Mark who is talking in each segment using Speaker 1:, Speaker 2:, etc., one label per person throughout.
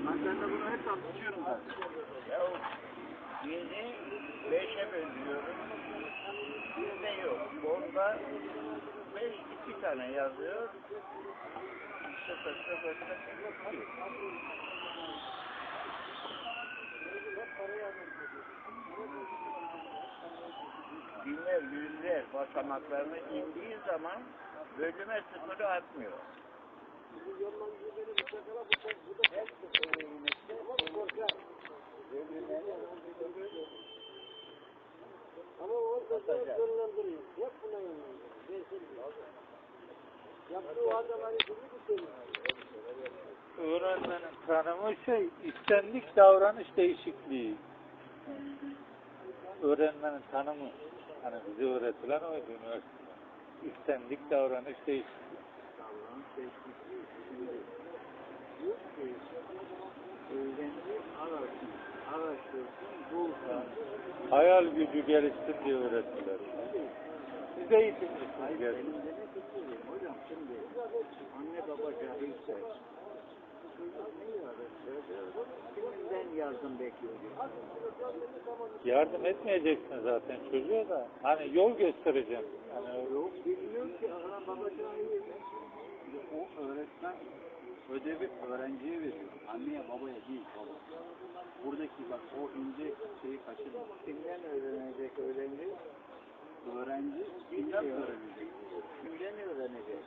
Speaker 1: Ben de bunu hep anlatıyorum zaten.
Speaker 2: Ya dini 5'e bölüyorum. Bizde yok. Onda 5 2 tane yazıyor. 0 0 0 2. Binler, yüzler basamaklarını indiği zaman bölüme sıfırı atmıyor.
Speaker 1: Ama o da yönlendiriyor. Hep buna yönlendiriyor. Yaptığı adam hani gibi
Speaker 3: Öğrenmenin tanımı istendik davranış değişikliği. Öğrenmenin tanımı, hani bize öğretilen oydu üniversitede. İstendik davranış değişikliği.
Speaker 2: Davranış değişikliği şimdi diyor ki öğrenci araştırsın, bulsun.
Speaker 3: Hayal gücü gelişsin diye öğrettiler. Siz eğitimcisiniz
Speaker 2: Hayır,
Speaker 3: gerçekten.
Speaker 2: benim demek istediğim hocam şimdi anne baba cahilse kimden yardım bekliyor?
Speaker 3: Yardım etmeyeceksin zaten çocuğa da. Hani yol göstereceğim. Hani
Speaker 2: Yok bilmiyor ki ana baba cahil.
Speaker 1: o öğretmen ödevi öğrenciye veriyor. Anneye babaya değil baba. Buradaki bak o ince şeyi kaçırma.
Speaker 2: Kimden öğrenecek öğrenci?
Speaker 1: Öğrenci kimden öğrenecek?
Speaker 2: Kimden öğrenecek?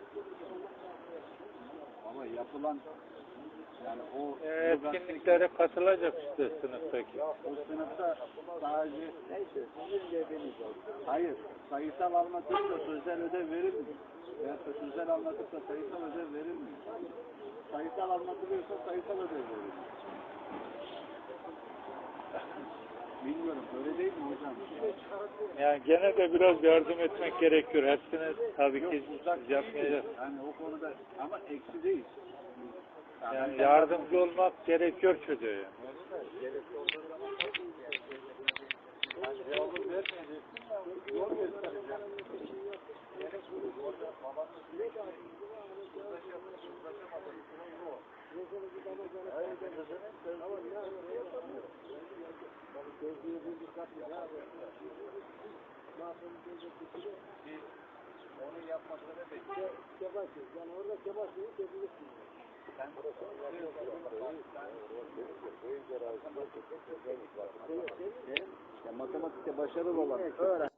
Speaker 1: Ama yapılan yani o
Speaker 3: etkinliklere katılacak işte sınıftaki.
Speaker 1: o sınıfta sadece
Speaker 2: Neyse sizin dediğiniz olsun.
Speaker 1: hayır sayısal anlatırsa sözel ödev verilmiyor. Veya sözel anlatırsa sayısal ödev verilmiyor. Sayısal anlatılıyorsa sayısal ödev verilmiyor. Bilmiyorum öyle değil mi hocam?
Speaker 3: Yani gene de biraz yardım etmek gerekiyor. Hepsini tabii ki
Speaker 1: Uzak
Speaker 3: yapmayacağız.
Speaker 1: yani o konuda ama eksi değil.
Speaker 3: Yani yardımcı olmak gerekiyor çocuğa. Yani.
Speaker 1: Cevabı vermeyeceksin ya yol göstereceksin. Onu yapmasını bekliyor.
Speaker 2: Yani orada kebaşıyı çözülürsün.
Speaker 1: Matematikte başarılı olan öğren.